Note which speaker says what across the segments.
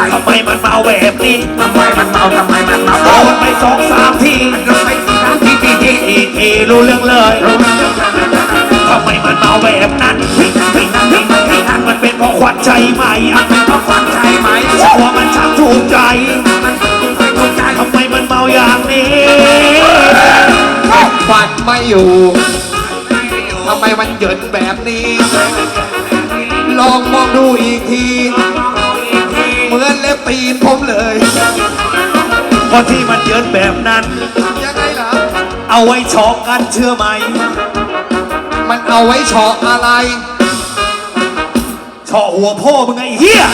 Speaker 1: ทำไมมันเมาแบบนี้
Speaker 2: ทำไมมันเมา
Speaker 1: โดนไป2-3 ที
Speaker 2: โดนไป
Speaker 1: ทีรู้เรื่องเลยทำไมมันเมาแบบนั้นมันเป็นเพราะควันใจไหม
Speaker 2: เพราะควันใจไหม
Speaker 1: เพราะว่ามันช่างถูกใจ
Speaker 2: มันถูกใจ
Speaker 1: ทำไมมันเมาอย่างนี้
Speaker 2: ฟันไม่อยู่ทำไมมันเหยินแบบนี้ลองมองดูอีกทีเหมือนเล็บตีนผมเลย
Speaker 1: เพราะที่มันเยินแบบนั้น
Speaker 2: ยังไงล่ะ
Speaker 1: เอาไว้ชอกกันเชื่อไหม
Speaker 2: มันเอาไว้เฉาะอะไร
Speaker 1: เฉาะหัวพ่อมึงไงเฮีย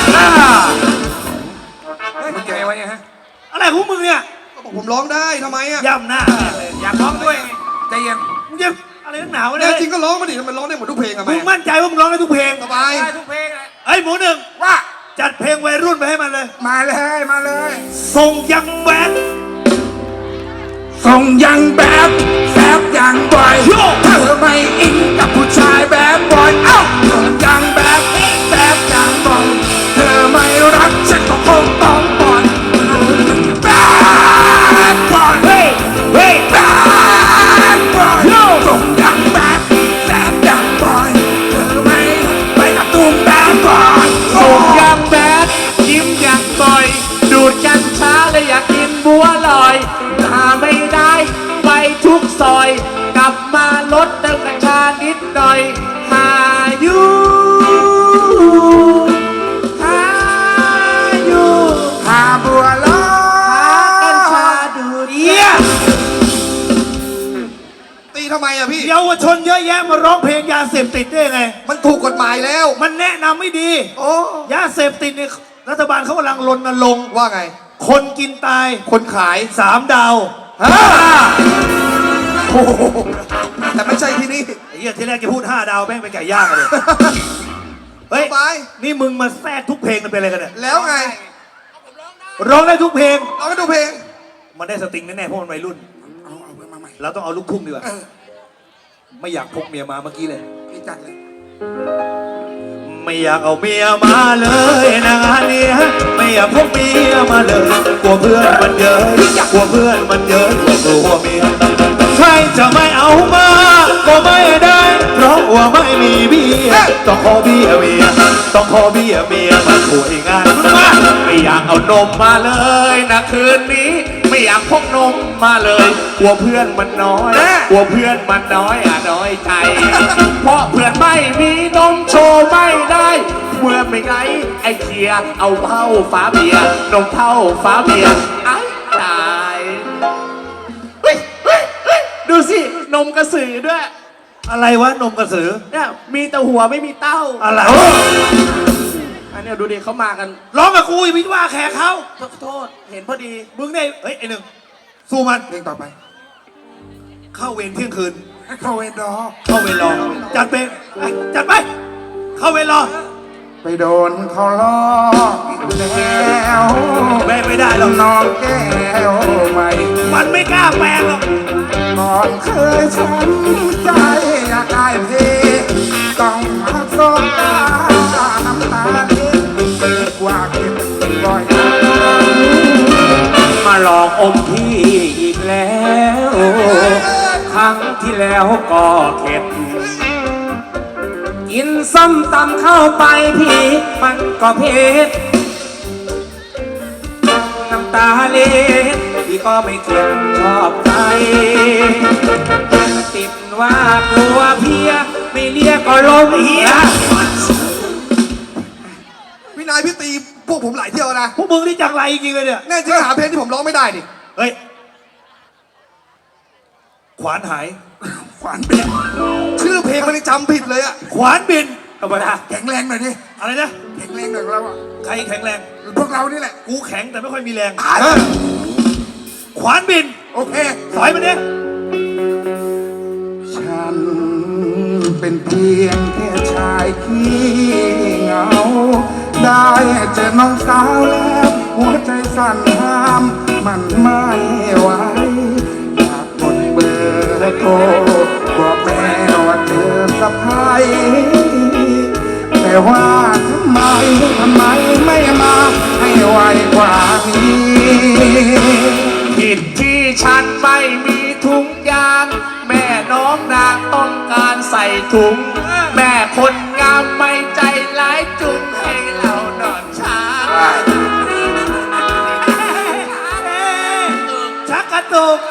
Speaker 2: มึงยังไงวะเนี่ยฮะ
Speaker 1: อะไรของมึงเนี่ย
Speaker 2: ก็บอกผมร้องได้ทำไมอ่ะ
Speaker 1: ย่ำหน้า
Speaker 2: อยากร้องด้วยใจเย็น
Speaker 1: มึงจะอะไรนักหนาวะ
Speaker 2: เนี่
Speaker 1: เนี่ย
Speaker 2: จริงก็ร้องมาดิมันร้องได้หมดทุกเพลงอะ
Speaker 1: มึงมั่นใจว่ามึงร้องได้ทุกเพลง
Speaker 2: สบาย
Speaker 1: ได้ทุกเพลงไอ้หมูหนึ่ง
Speaker 2: ว่า
Speaker 1: จัดเพลงวัยรุ่นไปให้มันเลย
Speaker 2: มาเลย
Speaker 1: ส่งยังแบด
Speaker 2: ส่งยังแบบแซบยังบ่อยเธอไม่อินกับผู้ชายแบบบ่อยเอ้าส่งยังแบบแซบยังบ่อยเธอไม่รักฉันก็คงต้องปล่อยแบบบ่อย
Speaker 1: เฮ้ย
Speaker 2: แบบบ่อยส่งยังแบบแซบยังบ่อยเธอไม่ไปกับตุ้มแบบบ่อย
Speaker 3: ส่งยังแบดยิ้มยังบ่อยดูดกัญชาและอยากกินบัวลอยหาไม่ได้ไปทุกซอยกลับมาลดเติมกัญชานิดหน่อยหาอยู่
Speaker 2: หาบัวลอย
Speaker 3: หากัญชาดูด
Speaker 2: ตีทำไมอะพี่
Speaker 1: เยาวชนเยอะแยะมาร้องเพลงยาเสพติดได้ไง
Speaker 2: มันถูกกฎหมายแล้ว
Speaker 1: มันแนะนำไม่ดี
Speaker 2: โอ้
Speaker 1: ยาเสพติดเนี่ยรัฐบาลเขากำลังรณรงค์
Speaker 2: ว่าไง
Speaker 1: คนกินตาย
Speaker 2: คนขาย
Speaker 1: 3 ดาว
Speaker 2: โอ้แต่ไม่ใช่ที่นี่
Speaker 1: ไอ้เหี้ยที่แรกจะพูด5 ดาวแม่งไปไก่ย่างเลยเฮ้ยนี่มึงมาแทรกทุกเพลงมันเป็นอะไรกันเนี่ย
Speaker 2: แล้วไง
Speaker 1: ร้องได้ทุกเพลง
Speaker 2: ร้องได้ทุกเพลง
Speaker 1: มันได้สตริงแน่ๆเพราะมันวัยรุ่น
Speaker 2: เอามาใหม่
Speaker 1: เราต้องเอาลูกทุ่งดีกว่าไม่อยากพกเมียมาเมื่อกี้เลย
Speaker 2: พี่จัดเลย
Speaker 1: ไม่อยากเอาเมียมาเลยนะงานนี้ไม่อยากพกเมียมาเลยกลัวเพื่อนมันเยอะกลัวเพื่อนมันเยอะกลัวเมียใครจะไม่เอามาก็ไม่ได้เพราะว่าไม่มีเบียต้องขอเบียเมียต้องขอเบียเมียมาช่วยงานไม่อยากเอานมมาเลยนะคืนนี้ไม่อยากพกนมมาเลยกลัวเพื่อนมันน้อยกลัวเพื่อนมันน้อยน้อยใจเพราะเพื่อนไม่มีนมโชว์ไม่ได้เมื่อไม่ไงไอ้เคียเอาเท่าฟ้าเบียนมเท่าฟ้าเบียไอ้ตาย
Speaker 3: ดูสินมกระสือด้วย
Speaker 1: อะไรวะนมกระสือ
Speaker 3: เนี่ยมีแต่หัวไม่มีเต้า
Speaker 1: อะไร
Speaker 3: อันนี้ดูดิเขามากัน
Speaker 1: ร้องกับกูอย่าพิว่าแขกเขา
Speaker 3: โทษเห็นพอดี
Speaker 1: มึงได้เฮ้ยไอ้หนึ่งสู้มัน
Speaker 2: เพลงต่อไป
Speaker 1: เข้าเวรเที่ยงคืน
Speaker 2: เข้าเวรรอ
Speaker 1: จัดไปจัดไปเข้าเวรรอ
Speaker 2: ไปโดนเขาล้อแล้ว
Speaker 1: แม่ไม่ได้หรอก
Speaker 2: น้องแก้วใหม่
Speaker 1: มันไม่กล้าแปลงหรอก
Speaker 2: ก่อนเคยช้ำใจอยากได้เพลงต้องมาสบตาน้ำตาเล็กกว่าเก็บบ่อย
Speaker 1: มาหลอกอมพี่อีกแล้วครั้งที่แล้วก็เข็ดกินส้มตำเข้าไปพี่มันก็เผ็ดน้ำตาเล็ดพี่ก็ไม่เข็ดชอบใจติดว่ากลัวเพียไม่เรียกก็ลมเฮีย
Speaker 2: พี่นายพี่ตีพวกผมหลายเที่ยวนะ
Speaker 1: พวกมึงนี่จังไรจริงเลยเนี่ย
Speaker 2: แน่จริงหาเพลงที่ผมร้องไม่ได้ดิ
Speaker 1: เฮ้ยขวานหาย
Speaker 2: ขวานบินชื่อเพลงมันจำผิดเลยอะ
Speaker 1: ขวานบินธรรมดา
Speaker 2: แข็งแรงหน่อยดิ
Speaker 1: อะไรนะ
Speaker 2: แข็งแรงหน่อยเราอะ
Speaker 1: ใครแข็งแรง
Speaker 2: พวกเรานี่แหละ
Speaker 1: กูแข็งแต่ไม่ค่อยมีแรงขวานบิน
Speaker 2: โอเค
Speaker 1: สอยมันเนี่ย
Speaker 2: ฉันเป็นเพียงแค่ชายขี้เหงาได้เจอน้องสาวแล้วหัวใจสั่นห้ามมันไม่ไหวอยากกดเบอร์โทรบอกแม่ว่าเธอสะพายแต่ว่าทำไมไม่มาให้ไว้
Speaker 3: ถุง แม่คนงามไม่ใจร้ายจุงให้เรานอนช้า
Speaker 1: ชักกระตุก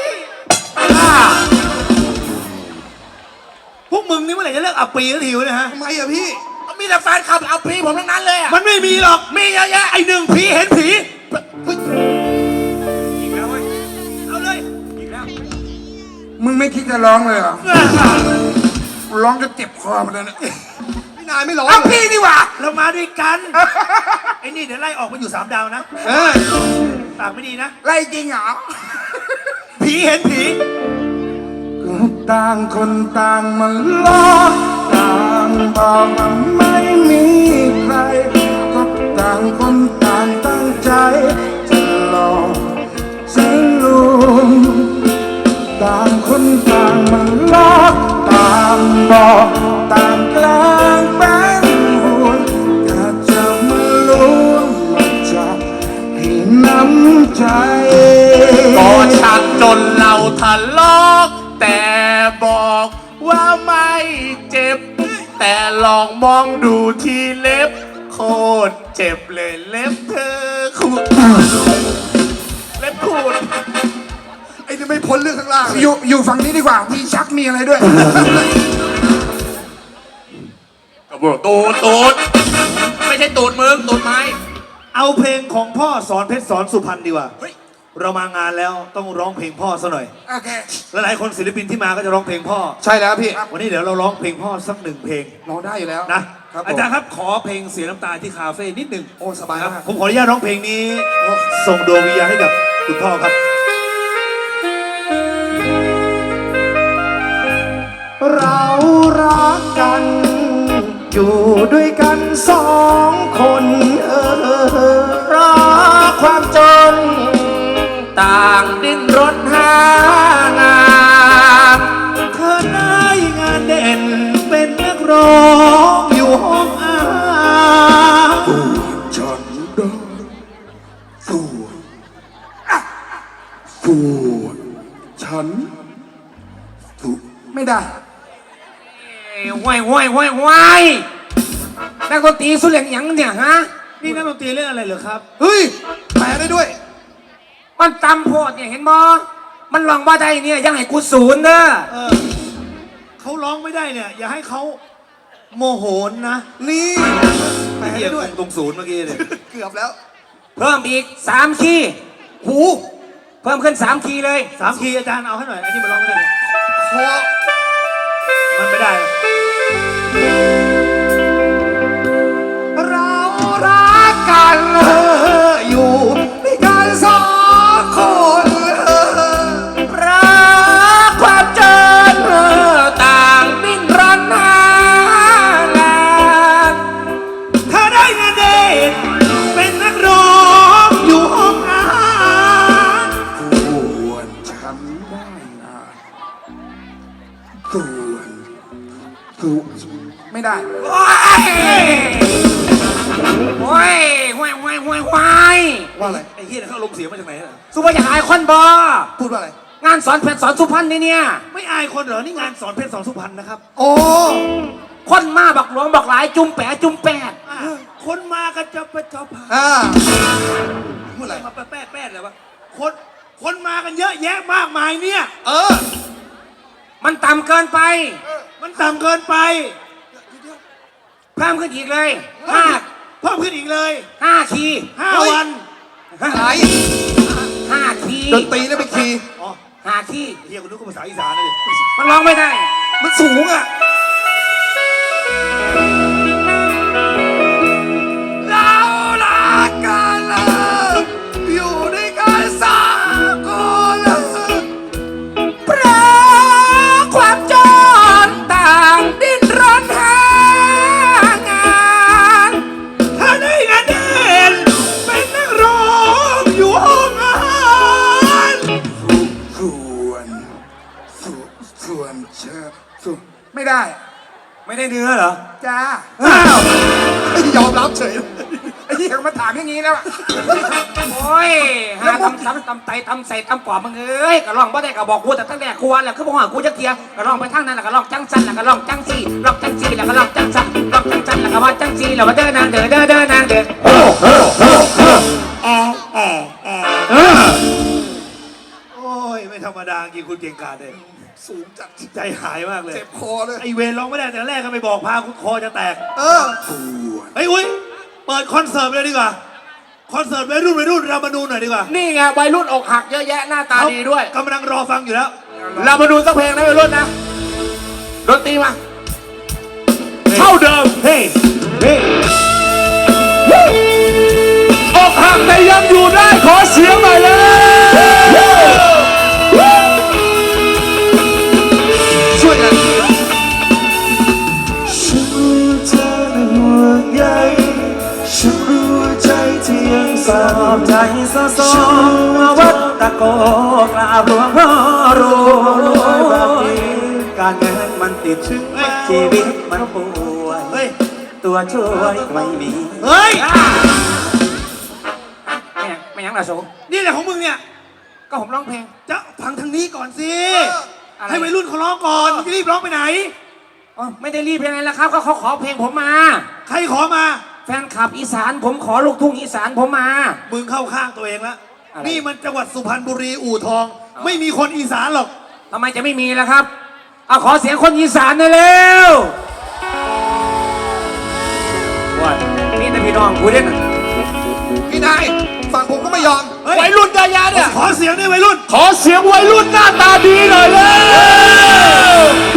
Speaker 1: พวกมึงนี่เมื่อไหร่จะเลิกอับปีสักทีวะเนี่ยฮะ
Speaker 2: ทำไมอะพี่
Speaker 3: มีแต่แฟนคลับเอาพี่ผมทั้งนั้นเลยอะ
Speaker 1: มันไม่มีหรอก
Speaker 3: มีเยอะแยะ
Speaker 1: ไอ้หนึ่งผีเห็นผีอีกแล้วเว้ยเอาเลยอีกแล้ว
Speaker 2: มึงไม่คิดจะร้องเลยเหรอร้องจะเจ็บคอหมันเลยนะพี่นายไม่ร้องเอาพี่ดีกว่า
Speaker 1: เรามาด้วยกัน ไอ้นี่เดี๋ยวไล่ออกมาอยู่3 ดาวนะปากไม่ดีนะ
Speaker 2: ไล่จริงเหรอ
Speaker 1: ผีเห็นผี
Speaker 2: ก็ต่างคนต่างมันล้อต่างบอกว่าไม่มีใคร ก็ต่างคนต่างตั้งใจ จะหลอกจะลวงต่างคนต่างมันล้อต่างบอกต่างกลางเป็นห่วงถ้าจะมาล้วงมันจะให้น้ำใจ
Speaker 3: ก็ชักจนเราทะเลาะแต่บอกว่าไม่เจ็บ แต่ลองมองดูที่เล็บ โคตรเจ็บเลยเล็บเธอขูดเล็บขูด
Speaker 2: ไอ้นี่ไม่พ้นเรื่องข้างล่างอยู่ฝั่งนี้ดีกว่า มีชักมีอะไรด้วย
Speaker 3: กระบอกตูดไม่ใช่ตูดมึงตูดไม้
Speaker 1: เอาเพลงของพ่อสอนเพชรสอนสุพรรณดีกว่า
Speaker 3: เฮ้ย
Speaker 1: เรามางานแล้วต้องร้องเพลงพ่อซะหน่อย
Speaker 2: โอเค
Speaker 1: และหลายคนศิลปินที่มาก็จะร้องเพลงพ่อ
Speaker 2: ใช่แล้วพี่
Speaker 1: วันนี้เดี๋ยวเราร้องเพลงพ่อสัก1 เพลง
Speaker 2: ร้องได้อยู่แล้ว
Speaker 1: นะครับ อาจารย์ครับขอเพลงเสียน้ำตาที่คาเฟ่นิดหนึ่ง
Speaker 2: โอ้สบาย
Speaker 1: ครับ
Speaker 2: มาก
Speaker 1: ผมขออนุญาตร้องเพลงนี้ ส่งดวงวิญญาณให้กับคุณพ่อครับ เรารักกัน อยู่ด้วยกัน2 คน
Speaker 3: รักความจน ต่างดิ้นรนหางาน
Speaker 1: เธอได้งานเด่นเป็นนักร้องอยู่ห้องอาหาร
Speaker 2: ฉันได้ส่วนฉันส่วนไม่ได้
Speaker 3: ว้ายนักดนตรีสุดเหลียงหยังเนี่ยฮะ
Speaker 1: นี่นักดนตรีเล่นอะไรเหรอครับ
Speaker 2: เฮ้ยแปลได้ด้วย
Speaker 3: มันตำโพดเนี่ยเห็นบ่มันลองว่าได้เนี่ยยังให้กูศูนย์เด้อ
Speaker 1: เออเขาร้องไม่ได้เนี่ย อย่าให้เขาโมโหนนะ
Speaker 2: นี่แปล
Speaker 1: ไอ้เหี้
Speaker 2: ได้
Speaker 1: ย
Speaker 2: ด้วย
Speaker 1: ตรงศูนย์เมื่อกี้เนี่ย
Speaker 2: เกือบแล้ว
Speaker 3: เพิ่มอีก3คีย์
Speaker 2: หู
Speaker 3: เพิ่มขึ้น3คีย์เลย
Speaker 1: 3 คีย์อาจารย์เอาให้หน่อยอันนี้มันร้องไม่ได้เลย
Speaker 2: คอ
Speaker 1: มันไม่ได้
Speaker 2: เรารักกันอยู่ด้วยกัน2 คน
Speaker 3: รักความจนต่างดิ้นรนหางาน
Speaker 1: ถ้าได้งานเด่นเป็นนักร้องอยู่ห้องอาหาร
Speaker 2: ส่วนฉันได้งานส่วนไม่ได้
Speaker 3: โอ้ยว้าย
Speaker 2: ว่าอะไร
Speaker 1: ไอ้เหี้ยเขาลงเสียงมาจากไหนน่ะ
Speaker 3: สุภาพอยากอายคนบอ
Speaker 2: พูดว่าอะไร
Speaker 3: งานสอนเพชรสอนสุพรรณนี่เนี่ย
Speaker 1: ไม่อายคนเหรอ นี่งานสอนเพชรสอนสุพรรณนะครับ
Speaker 2: โอ้
Speaker 3: คนมาบักหลวงบักหลายจุ่มแปะจุ่มแปด
Speaker 1: อ่ะคนมากันจะไปจอผ่า
Speaker 2: พูดอะไร
Speaker 1: มาแป๊ดเลยวะคนมากันเยอะแยะมากมายเนี่ย
Speaker 3: มันต่ำเกินไป
Speaker 1: มันต่ำเกินไป
Speaker 3: เพิ่มขึ้นอีกเลยห้า
Speaker 1: เพิ่มขึ้นอีกเลย
Speaker 3: คีย์
Speaker 1: 5 วัน
Speaker 2: อะไร
Speaker 3: 5 คีย์
Speaker 2: ดนตรีแล้วไปคีย์
Speaker 1: อ๋อ
Speaker 3: 5 คีย์
Speaker 1: เฮียคุณนึกว่าภาษาอีสานนะดิ
Speaker 3: มันร้องไม่ได้
Speaker 2: มันสูงอ่ะ เรารักกันอยู่ด้วยกัน3 คน
Speaker 3: เพราะความจนต่างดิ้นรนหางาน
Speaker 1: ถ้าได้งานเด่นเป็นนักร้องอยู่ห้องอาหาร
Speaker 2: ส่วนเชอส่วนไม่ได้
Speaker 3: ไม่ได้เนื้อเหรอ
Speaker 2: จ้า
Speaker 1: อ้าว
Speaker 2: ยอมรับเฉยไอ้ที่เขามาถามอย่างนี้แล้วอะ
Speaker 3: โอ้ยหาตำไตตำใส่ตำปอบมึงเอ้ยกระลองบ่ได้ก็บอกกูแต่ตั้งแต่กูวันแล้วคือบอกว่ากูจะเทียกระลองไปทางนั้นแล้วกระลองจังสันแล้วกระลองจังซีลองจังซีแล้วกระลองจังสันลองจังสันแล้วก็ว่าจังซีแล้วมาเดินนางเดินนางเดินแอะแอะแอะ
Speaker 1: โอ้ยไม่ธรรมดาจริงคุณเก่งกาจเลย
Speaker 2: สูงจัด
Speaker 1: ใจหายมากเลย
Speaker 2: เจ็บคอเลย
Speaker 1: ไอเวรร้องไม่ได้แต่แรกก็ไปบอกพาคอจะแตก
Speaker 2: เออ
Speaker 1: เฮ้ยอุ้ยเปิดคอนเสิร์ตเลยดีกว่าคอนเสิร์ตวัยรุ่นเรามาดูหน่อยดีกว่า
Speaker 3: นี่ไงวัยรุ่นอกหักเยอะแยะหน้าตาดีด้วย
Speaker 1: กำลังรอฟังอยู่แล้ว
Speaker 3: เรามาดูสักเพลงนะวัยรุ่นนะดนตรีมาเท่าเดิม
Speaker 1: เฮ้ยเฮ้ย
Speaker 3: อกหักแต่ยังอยู่ได้ขอเสียงหน่อยเลย
Speaker 1: ช่วยกัน
Speaker 4: ฉันรู้เธอนั้นห่วงใยฉันรู้ใจที่ยังสอบใจสะสมมาวัดตะโกกราบหลวงพ่อรู้แบบนี้การเงินมันติดชีวิตมันป่วย
Speaker 1: เฮ้ย
Speaker 4: ตัวช่วยไม่มี
Speaker 1: เฮ้ย
Speaker 3: ไม่ยังล่ะโส
Speaker 1: นี่แหละของมึงเนี่ย
Speaker 3: ก็ผมร้องเพลง
Speaker 1: จะฟังทางนี้ก่อนสิ
Speaker 3: อะไร
Speaker 1: ให้วัยรุ่นเขาร้องก่อนมึงจะรีบร้องไปไหน
Speaker 3: อ๋อไม่ได้รีบยังไงล่ะครับก็เขาขอเพลงผมมา
Speaker 1: ใครขอมา
Speaker 3: แฟนคลับอีสานผมขอลูกทุ่งอีสานผมมา
Speaker 1: มึงเข้าข้างตัวเองแล้ว
Speaker 3: อะไร
Speaker 1: นี่มันจังหวัดสุพรรณบุรีอู่ทอง ไม่มีคนอีสานหรอก
Speaker 3: ทำไมจะไม่มีล่ะครับเอาขอเสียงคนอีสานหน่อยเร็วว่านี่นะพี่น้องกูเด่น
Speaker 2: พี่นายฝั่งผมก็ไม่ยอม
Speaker 1: เฮ้ย
Speaker 3: วัยรุ่นเยอะแยะเนี่ย
Speaker 1: ขอเสียงด้วยวัยรุ่น
Speaker 3: ขอเสียงวัยรุ่นหน้าตาดีหน่อยเร็ว